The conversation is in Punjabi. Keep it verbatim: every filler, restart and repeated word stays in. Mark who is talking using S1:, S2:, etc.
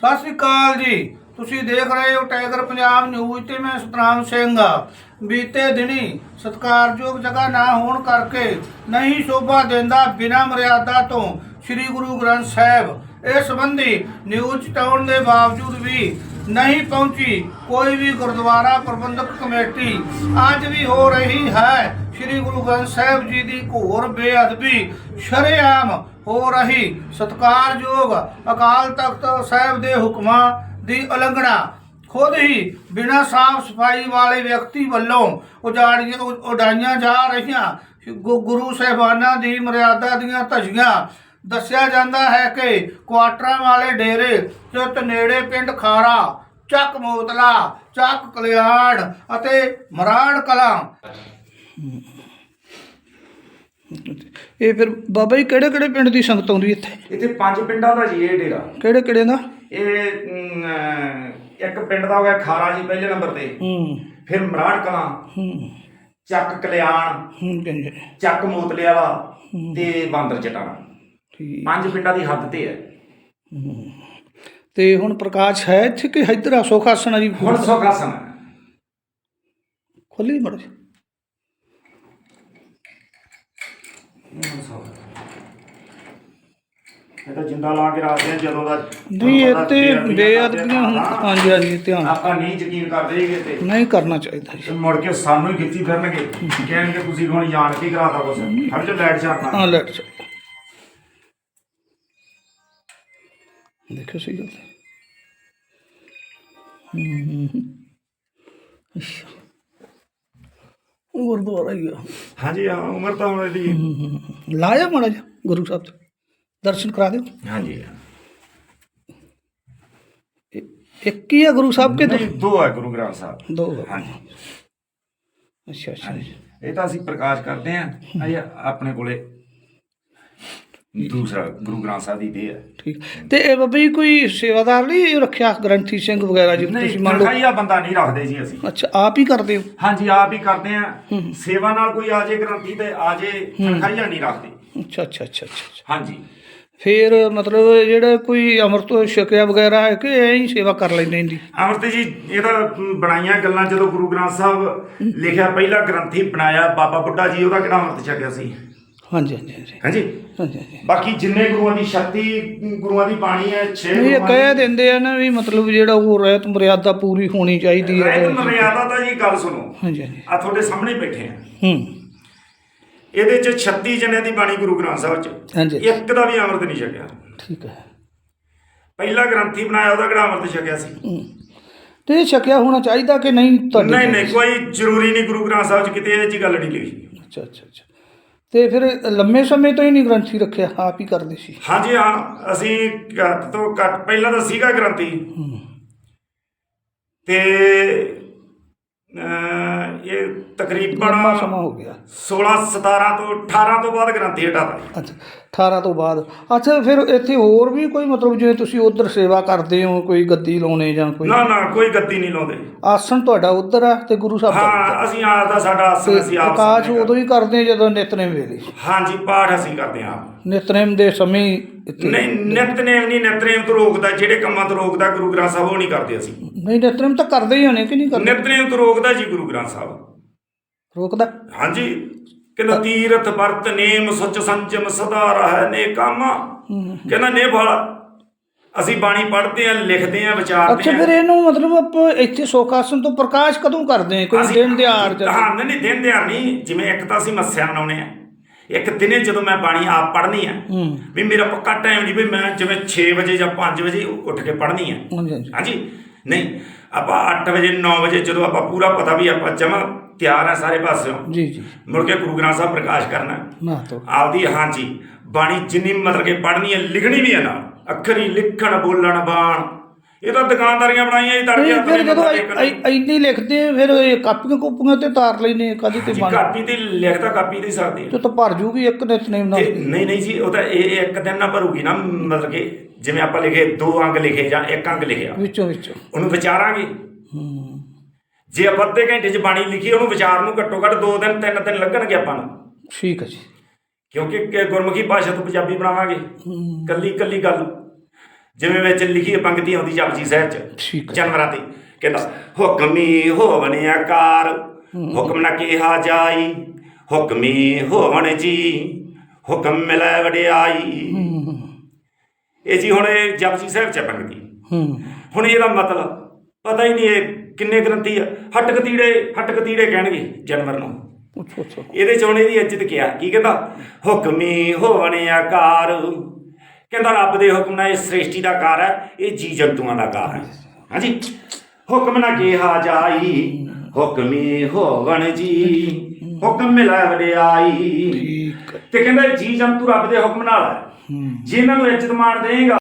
S1: ਸਤਿ ਸ਼੍ਰੀ ਅਕਾਲ ਜੀ। ਤੁਸੀਂ ਦੇਖ ਰਹੇ ਹੋ ਟਾਈਗਰ ਪੰਜਾਬ ਨਿਊਜ਼ ਤੇ ਮੈਂ ਸਤਨਾਮ ਸਿੰਘ ਆ। ਬੀਤੇ ਦਿਨੀ ਸਤਿਕਾਰਯੋਗ ਜਗ੍ਹਾ ਨਾ ਹੋਣ ਕਰਕੇ ਨਹੀਂ ਸ਼ੋਭਾ ਦਿੰਦਾ ਬਿਨਾਂ ਮਰਿਆਦਾ ਤੋਂ ਸ੍ਰੀ ਗੁਰੂ ਗ੍ਰੰਥ ਸਾਹਿਬ। ਇਸ ਸੰਬੰਧੀ ਨਿਊਜ਼ ਚਟਾਉਣ ਦੇ ਬਾਵਜੂਦ ਵੀ ਨਹੀਂ ਪਹੁੰਚੀ ਕੋਈ ਵੀ ਗੁਰਦੁਆਰਾ ਪ੍ਰਬੰਧਕ ਕਮੇਟੀ। ਅੱਜ ਵੀ ਹੋ ਰਹੀ ਹੈ ਸ੍ਰੀ ਗੁਰੂ ਗ੍ਰੰਥ ਸਾਹਿਬ ਜੀ ਦੀ ਘੋਰ ਬੇਅਦਬੀ ਸ਼ਰੇਆਮ ਹੋ ਰਹੀ। ਸਤਿਕਾਰਯੋਗ ਅਕਾਲ ਤਖਤ ਸਾਹਿਬ ਦੇ ਹੁਕਮਾਂ ਦੀ ਉਲੰਘਣਾ ਖੁਦ ਹੀ ਬਿਨਾਂ ਸਾਫ ਸਫਾਈ ਵਾਲੇ ਵਿਅਕਤੀ ਵੱਲੋਂ ਉਜਾੜੀਆਂ ਉਡਾਈਆਂ ਜਾ ਰਹੀਆਂ ਗੁਰੂ ਸਾਹਿਬਾਨਾਂ ਦੀ ਮਰਿਆਦਾ ਦੀਆਂ ਧੱਜੀਆਂ। ਦੱਸਿਆ ਜਾਂਦਾ ਹੈ ਕਿ ਕੁਆਟਰਾਂ ਵਾਲੇ ਡੇਰੇ ਚੁੱਤ ਨੇੜੇ ਪਿੰਡ ਖਾਰਾ, ਚੱਕ ਮੋਤਲਾ, ਚੱਕ ਕਲਿਆਣ ਅਤੇ ਮਰਾੜ ਕਲਾਂ। ਇਹ ਫਿਰ ਬਾਬਾ ਜੀ ਕਿਹੜੇ ਕਿਹੜੇ ਪਿੰਡ ਦੀ ਸੰਗਤ ਆਉਂਦੀ ਇੱਥੇ?
S2: ਇੱਥੇ ਪੰਜ ਪਿੰਡਾਂ ਦਾ ਜੀ ਇਹ ਡੇਰਾ।
S1: ਕਿਹੜੇ ਕਿਹੜੇ ਦਾ?
S2: ਇਹ ਅਮ, ਇੱਕ ਪਿੰਡ ਦਾ ਹੋ ਗਿਆ ਖਾਰਾ ਜੀ ਪਹਿਲੇ ਨੰਬਰ ਤੇ,
S1: ਹੂੰ
S2: ਫਿਰ ਮਰਾੜ ਕਲਾਂ,
S1: ਹੂੰ
S2: ਚੱਕ ਕਲਿਆਣ,
S1: ਹੂੰ ਕਹਿੰਦੇ
S2: ਚੱਕ ਮੋਤਲੇ ਵਾਲਾ ਤੇ ਬਾਂਦਰ ਚਟਾਣਾ।
S1: ਠੀਕ।
S2: ਪੰਜ ਪਿੰਡਾਂ ਦੀ ਹੱਦ ਤੇ ਹੈ।
S1: ਤੇ ਹੁਣ ਪ੍ਰਕਾਸ਼ ਹੈ ਇੱਥੇ ਕਿ ਇੱਧਰ ਆ ਸੁਖਾਸਨ ਆ ਜੀ?
S2: ਹੁਣ ਸੁਖਾਸਨ
S1: ਖੋਲੀ ਮੜ
S2: ਇਹ ਤਾਂ ਜਿੰਦਾ ਲਾ ਕੇ ਰੱਖਦੇ ਆ ਜਦੋਂ ਦਾ।
S1: ਨਹੀਂ ਇਹ ਤੇ ਬੇਅਦਬੀਆਂ ਹੁਣ। ਹਾਂਜੀ ਹਾਂਜੀ ਧਿਆਨ
S2: ਆਪਾਂ ਨਹੀਂ ਯਕੀਨ ਕਰਦੇ ਹੈਗੇ ਤੇ
S1: ਨਹੀਂ ਕਰਨਾ ਚਾਹੀਦਾ ਜੀ।
S2: ਤੇ ਮੁੜ ਕੇ ਸਾਨੂੰ ਹੀ ਖਿੱਚੀ ਫਿਰਨਗੇ, ਕਹਿਣਗੇ ਤੁਸੀਂ ਹੁਣ ਜਾਣ ਕੇ ਕਰਾਤਾ ਕੁਛ। ਹਰ ਜੋ ਲਾਈਟ ਛਾਪਣਾ।
S1: ਹਾਂ ਲੈਟ ਚ ਦੇਖੋ ਸਹੀ ਗੱਲ ਹੈ। ਹੂੰ ਅੱਛਾ ਗੁਰਦੁਆਰਾ ਹੀ ਆ।
S2: ਹਾਂਜੀ ਹਾਂ, ਉਮਰ ਤਾਂ ਹੁਣ ਇਹਦੀ।
S1: ਲਾਇਆ ਮਾੜਾ ਜਿਹਾ ਗੁਰੂ ਸਾਹਿਬ ਦੇ ਦਰਸ਼ਨ ਕਰਾ ਦਿਓ।
S2: ਹਾਂਜੀ
S1: ਇੱਕ ਹੀ ਆ ਗੁਰੂ ਸਾਹਿਬ ਕੇ?
S2: ਨਹੀਂ, ਦੋ ਹੈ ਗੁਰੂ ਗ੍ਰੰਥ ਸਾਹਿਬ।
S1: ਦੋ?
S2: ਹਾਂਜੀ
S1: ਅੱਛਾ ਅੱਛਾ।
S2: ਇਹ ਤਾਂ ਅਸੀਂ ਪ੍ਰਕਾਸ਼ ਕਰਦੇ ਹਾਂ। ਅਜੇ ਆਪਣੇ ਕੋਲੇ ਦੂਸਰਾ ਗੁਰੂ ਗ੍ਰੰਥ ਸਾਹਿਬ ਦੀ ਦੇਹ ਹੈ।
S1: ਠੀਕ। ਤੇ ਇਹ ਬਾਬਾ ਜੀ ਕੋਈ ਸੇਵਾਦਾਰ ਨਹੀਂ ਰੱਖਿਆ ਗ੍ਰੰਥੀ ਸਿੰਘ ਵਗੈਰਾ ਜੀ? ਤੁਸੀਂ ਮੰਨ ਲਓ
S2: ਤਨਖਾਹੀਆ ਬੰਦਾ ਨਹੀਂ ਰੱਖਦੇ ਜੀ ਅਸੀਂ।
S1: ਅੱਛਾ ਆਪ ਹੀ ਕਰਦੇ ਹੋ?
S2: ਹਾਂਜੀ ਆਪ ਹੀ ਕਰਦੇ ਹਾਂ। ਸੇਵਾ ਨਾਲ ਕੋਈ ਆ ਜੇ ਗ੍ਰੰਥੀ ਤੇ ਆ ਜੇ, ਤਨਖਾਹੀਆ ਨਹੀਂ ਰੱਖਦੇ।
S1: ਅੱਛਾ ਅੱਛਾ ਅੱਛਾ ਅੱਛਾ।
S2: ਹਾਂਜੀ
S1: ਫਿਰ ਮਤਲਬ ਜਿਹੜਾ ਕੋਈ ਅੰਮ੍ਰਿਤ ਛਕਿਆ ਵਗੈਰਾ ਹੈ ਕਿ ਐਂ ਹੀ ਸੇਵਾ ਕਰ ਲੈਂਦੇ ਇਹਦੀ?
S2: ਅੰਮ੍ਰਿਤ ਜੀ ਇਹ ਤਾਂ ਬਣਾਈਆਂ ਗੱਲਾਂ। ਜਦੋਂ ਗੁਰੂ ਗ੍ਰੰਥ ਸਾਹਿਬ ਲਿਖਿਆ ਪਹਿਲਾ ਗ੍ਰੰਥੀ ਬਣਾਇਆ ਬਾਬਾ ਬੁੱਢਾ ਜੀ, ਉਹਦਾ ਕਿਹੜਾ ਅੰਮ੍ਰਿਤ ਛਕਿਆ ਸੀ?
S1: ਹਾਂਜੀ ਹਾਂਜੀ ਹਾਂਜੀ
S2: ਹਾਂਜੀ
S1: ਹਾਂਜੀ ਹਾਂਜੀ।
S2: ਬਾਕੀ ਜਿੰਨੇ ਗੁਰੂਆਂ ਦੀ ਸ਼ਕਤੀ, ਗੁਰੂਆਂ ਦੀ ਬਾਣੀ ਹੈ, ਛੇ
S1: ਇਹ
S2: ਗੁਰੂਆਂ
S1: ਕਹਿ
S2: ਦੀ
S1: ਦਿੰਦੇ ਆ ਨਾ ਵੀ ਮਤਲਬ ਜਿਹੜਾ ਉਹ ਰਹਿਤ ਮਰਿਆਦਾ ਪੂਰੀ ਹੋਣੀ ਚਾਹੀਦੀ ਹੈ।
S2: ਰਹਿਤ ਮਰਿਆਦਾ ਤਾਂ ਜੀ ਗੱਲ ਸੁਣੋ।
S1: ਹਾਂਜੀ ਹਾਂਜੀ।
S2: ਆ ਤੁਹਾਡੇ ਸਾਹਮਣੇ ਬੈਠੇ ਆ।
S1: ਹੂੰ
S2: ਇਹਦੇ ਚ ਛੱਤੀ ਜਣਿਆਂ ਦੀ ਬਾਣੀ ਗੁਰੂ ਗ੍ਰੰਥ ਸਾਹਿਬ ਚ,
S1: ਹਾਂਜੀ
S2: ਇੱਕ ਦਾ ਵੀ ਅੰਮ੍ਰਿਤ ਨਹੀਂ ਛਕਿਆ।
S1: ਠੀਕ ਹੈ।
S2: ਪਹਿਲਾ ਗ੍ਰੰਥੀ ਬਣਾਇਆ ਉਹਦਾ ਕਿਹੜਾ ਅੰਮ੍ਰਿਤ ਛਕਿਆ ਸੀ?
S1: ਹੂੰ ਤੇ ਇਹ ਛਕਿਆ ਹੋਣਾ ਚਾਹੀਦਾ ਕਿ ਨਹੀਂ ਤੁਹਾਡੇ?
S2: ਨਹੀਂ ਨਹੀਂ, ਕੋਈ ਜ਼ਰੂਰੀ ਨਹੀਂ। ਗੁਰੂ ਗ੍ਰੰਥ ਸਾਹਿਬ ਚ ਕਿਤੇ ਇਹ ਜੀ ਗੱਲ ਨਹੀਂ ਲਿਖੀ।
S1: ਅੱਛਾ ਅੱਛਾ ਅੱਛਾ। ਤੇ ਫਿਰ ਲੰਮੇ ਸਮੇਂ ਤੋਂ ਹੀ ਨਹੀਂ ਗ੍ਰੰਥੀ ਰੱਖਿਆ, ਆਪ ਹੀ ਕਰਦੇ ਸੀ?
S2: ਹਾਂਜੀ ਹਾਂ, ਅਸੀਂ ਘੱਟ ਤੋਂ ਘੱਟ ਪਹਿਲਾਂ ਤਾਂ ਸੀਗਾ ਗ੍ਰੰਥੀ ਤੇ ਅਹ, ਇਹ ਤਕਰੀਬਨ
S1: ਲੰਮਾ ਸਮਾਂ ਹੋ ਗਿਆ।
S2: ਸੋਲਾਂ ਸਤਾਰਾਂ ਤੋਂ ਅਠਾਰਾਂ ਤੋਂ ਬਾਅਦ ਗ੍ਰੰਥੀ ਹਟਾਤਾ।
S1: ਅੱਛਾ ਅਠਾਰਾਂ ਤੋਂ ਬਾਅਦ। ਅੱਛਾ ਫਿਰ ਇੱਥੇ ਹੋਰ ਵੀ ਕੋਈ ਮਤਲਬ ਜਿਵੇਂ ਤੁਸੀਂ ਉੱਧਰ ਸੇਵਾ ਕਰਦੇ ਹੋ ਕੋਈ ਗੱਦੀ ਲਾਉਣੇ ਜਾਂ ਕੋਈ?
S2: ਨਾ ਨਾ, ਕੋਈ ਗੱਦੀ ਨਹੀਂ ਲਾਉਂਦੇ।
S1: ਆਸਣ ਤੁਹਾਡਾ ਉੱਧਰ ਆ ਤੇ ਗੁਰੂ ਸਾਹਿਬ ਦਾ
S2: ਹਾਂ, ਅਸੀਂ ਆਪ ਦਾ ਸਾਡਾ ਆਸਣ ਅਸੀਂ ਆਪ
S1: ਪ੍ਰਕਾਸ਼
S2: ਸਾਂਭਦੇ
S1: ਉਦੋਂ ਹੀ ਕਰਦੇ ਜਦੋਂ ਨਿਤਨੇਮ ਵੇਲੇ?
S2: ਹਾਂਜੀ, ਪਾਠ ਅਸੀਂ ਕਰਦੇ ਹਾਂ ਆਪ।
S1: ਨਿਤਨੇਮ ਦੇ ਸਮੇਂ ਇੱਥੇ?
S2: ਨਹੀਂ, ਨਿਤਨੇਮ ਨਹੀਂ। ਨਿਤਨੇਮ ਤੋਂ ਰੋਕਦਾ, ਜਿਹੜੇ ਕੰਮਾਂ ਤੋਂ ਰੋਕਦਾ ਗੁਰੂ ਗ੍ਰੰਥ ਸਾਹਿਬ ਉਹ ਨਹੀਂ ਕਰਦੇ ਅਸੀਂ।
S1: ਨਹੀਂ ਨਿਤਨੇਮ ਤਾਂ ਕਰਦੇ ਹੀ ਹੋਣੇ ਕਿ ਨਹੀਂ ਕਰਦੇ?
S2: ਨਿਤਨੇਮ ਤੋਂ ਰੋਕਦਾ ਜੀ ਗੁਰੂ ਗ੍ਰੰਥ ਸਾਹਿਬ।
S1: ਰੋਕਦਾ?
S2: ਹਾਂਜੀ, ਕਹਿੰਦਾ ਤੀਰਥ ਵਰਤ ਨੇਮ ਸੁਚ ਸੰਜਮ ਸਦਾ ਰਹਿ ਨੇ ਕੰਮ। ਕਹਿੰਦਾ ਨੇ ਫਲ। ਅਸੀਂ ਬਾਣੀ ਪੜ੍ਹਦੇ ਆ, ਲਿਖਦੇ ਆ, ਵਿਚਾਰਦੇ
S1: ਅੱਛਾ
S2: ਆ।
S1: ਫਿਰ ਇਹਨੂੰ ਮਤਲਬ ਆਪਾਂ ਇੱਥੇ ਸੁਖਾਸਨ ਤੋਂ ਪ੍ਰਕਾਸ਼ ਕਦੋਂ ਕਰਦੇ ਆ? ਕੋਈ
S2: ਅਸੀਂ-
S1: ਦਿਨ ਦਿਹਾੜ ਜਾਂ?
S2: ਹਾਂ ਨਹੀਂ ਨਹੀਂ, ਦਿਨ ਦਿਹਾੜ ਨਹੀਂ। ਜਿਵੇਂ ਇੱਕ ਤਾਂ ਅਸੀਂ ਮੱਸਿਆ ਮਨਾਉਣੇ ਆ, ਇੱਕ ਦਿਨੇ ਜਦੋਂ ਮੈਂ ਬਾਣੀ ਆਪ ਪੜ੍ਹਨੀ ਆ ਵੀ ਮੇਰਾ ਪੱਕਾ ਟਾਈਮ ਨਹੀਂ ਵੀ ਮੈਂ ਜਿਵੇਂ ਛੇ ਵਜੇ ਜਾਂ ਪੰਜ ਵਜੇ ਉੱਠ ਕੇ ਪੜ੍ਹਨੀ ਆ।
S1: ਹਾਂਜੀ ਹਾਂਜੀ।
S2: ਹਾਂਜੀ ਨਹੀਂ, ਆਪਾਂ ਅੱਠ ਵਜੇ ਨੌ ਵਜੇ ਜਦੋਂ ਆਪਾਂ ਪੂਰਾ ਪਤਾ ਵੀ ਆਪਾਂ ਜਮਾ ਤਿਆਰ ਆ ਸਾਰੇ ਪਾਸਿਓਂ,
S1: ਜੀ ਜੀ।
S2: ਮੁੜ ਕੇ ਗੁਰੂ ਗ੍ਰੰਥ ਸਾਹਿਬ ਪ੍ਰਕਾਸ਼ ਕਰਨਾ
S1: ਨਾ ਤੋ
S2: ਆਪਦੀ। ਹਾਂਜੀ ਬਾਣੀ ਜਿੰਨੀ ਮਤਲਬ ਕਿ ਪੜ੍ਹਨੀ ਹੈ, ਲਿਖਣੀ ਵੀ ਹੈ ਨਾਲ। ਅੱਖਰੀ ਲਿਖਣ ਬੋਲਣ ਬਾਣ, ਇਹ ਤਾਂ ਦੁਕਾਨਦਾਰੀਆਂ ਬਣਾਈਆਂ ਜੀ ਤੜਕੇ।
S1: ਫਿਰ ਜਦੋਂ ਇੰਨੀ ਲਿਖਦੇ ਆ ਫਿਰ ਇਹ ਕਾਪੀਆਂ ਕੂਪੀਆਂ ਤੇ ਤਾਰ ਲੈਨੇ ਕਦੀ ਤੇ ਬਣ?
S2: ਕਾਪੀ ਤੇ ਲਿਖਦਾ ਕਾਪੀ ਤੇ ਸਕਦੀ
S1: ਤੇ ਤਾਂ ਭਰ ਜੂਗੀ ਇੱਕ ਨਿਤਨੇਮ ਨਾਲ?
S2: ਨਹੀਂ ਨਹੀਂ ਜੀ, ਉਹ ਤਾਂ ਇਹ ਇੱਕ ਦਿਨ ਨਾ ਭਰੂਗੀ ਨਾ। ਮਤਲਬ ਕਿ ਜਿਵੇਂ ਆਪਾਂ ਲਿਖੇ ਦੋ ਅੰਗ ਲਿਖੇ ਜਾਂ ਇੱਕ ਅੰਗ ਲਿਖਿਆ,
S1: ਵਿੱਚੋਂ ਵਿੱਚੋਂ
S2: ਉਹਨੂੰ ਵਿਚਾਰਾਂਗੇ।
S1: ਹੂੰ
S2: ਜੇ ਆਪਾਂ ਅੱਧੇ ਘੰਟੇ 'ਚ ਬਾਣੀ ਲਿਖੀ, ਉਹਨੂੰ ਵਿਚਾਰ ਨੂੰ ਘੱਟੋ ਘੱਟ ਦੋ ਦਿਨ ਤਿੰਨ ਦਿਨ ਲੱਗਣਗੇ ਆਪਾਂ ਨੂੰ।
S1: ਠੀਕ ਹੈ ਜੀ।
S2: ਕਿਉਂਕਿ ਗੁਰਮੁਖੀ ਭਾਸ਼ਾ ਤੋਂ ਪੰਜਾਬੀ ਬਣਾਵਾਂਗੇ, ਕੱਲੀ ਕੱਲੀ ਗੱਲ। ਜਿਵੇਂ ਵਿੱਚ ਲਿਖੀ ਪੰਕਤੀ ਆਉਂਦੀ ਜਪਜੀ ਸਾਹਿਬ ਚ
S1: ਠੀਕ ਹੈ।
S2: ਜਾਨਵਰਾਂ ਤੇ ਕਹਿੰਦਾ ਹੁਕਮੀ ਹੋਵਣ ਆਕਾਰ ਹੁਕਮ ਨਾ ਕਿਹਾ ਜਾਈ ਹੁਕਮੀ ਹੋਵਣ ਜੀ ਹੁਕਮ ਮਿਲੈ ਵਡਿਆਈ। ਇਹ ਜੀ ਹੁਣ ਇਹ ਜਪਜੀ ਸਾਹਿਬ ਚ ਪੰਕਤੀ। ਹੁਣ ਇਹਦਾ ਮਤਲਬ ਪਤਾ ਹੀ ਨਹੀਂ ਇਹ ਕਿੰਨੇ ਗ੍ਰੰਥੀ ਆ। ਹੱਟ ਕਤੀੜੇ ਹੱਟ ਕਤੀੜੇ ਕਹਿਣਗੇ ਜਾਨਵਰ ਨੂੰ। ਇਹਦੇ ਚ ਹੁਣ ਇਹਦੀ ਇੱਜ਼ਤ ਕਿਹਾ ਕੀ ਕਹਿੰਦਾ ਹੁਕਮੀ ਹੋਵਣ ਆਕਾਰ। ਕਹਿੰਦਾ ਰੱਬ ਦੇ ਹੁਕਮ ਨਾਲ ਇਹ ਸ੍ਰਿਸ਼ਟੀ ਦਾ ਕਾਰ ਹੈ, ਇਹ ਜੀ ਜੰਤੂਆਂ ਦਾ ਕਾਰ ਹੈ। ਹਾਂਜੀ ਹੁਕਮ ਨਾ ਕਿਹਾ ਜਾਈ ਹੁਕਮੀ ਹੋਵਣ ਜੀ ਹੁਕਮ ਮਿਲੈ ਵਡਿਆਈ। ਤੇ ਕਹਿੰਦਾ ਜੀ ਜੰਤੂ ਰੱਬ ਦੇ ਹੁਕਮ ਨਾਲ ਹੈ, ਜੇ ਇਹਨਾਂ ਨੂੰ ਇੱਜ਼ਤ ਮਾਣ ਦੇਗਾ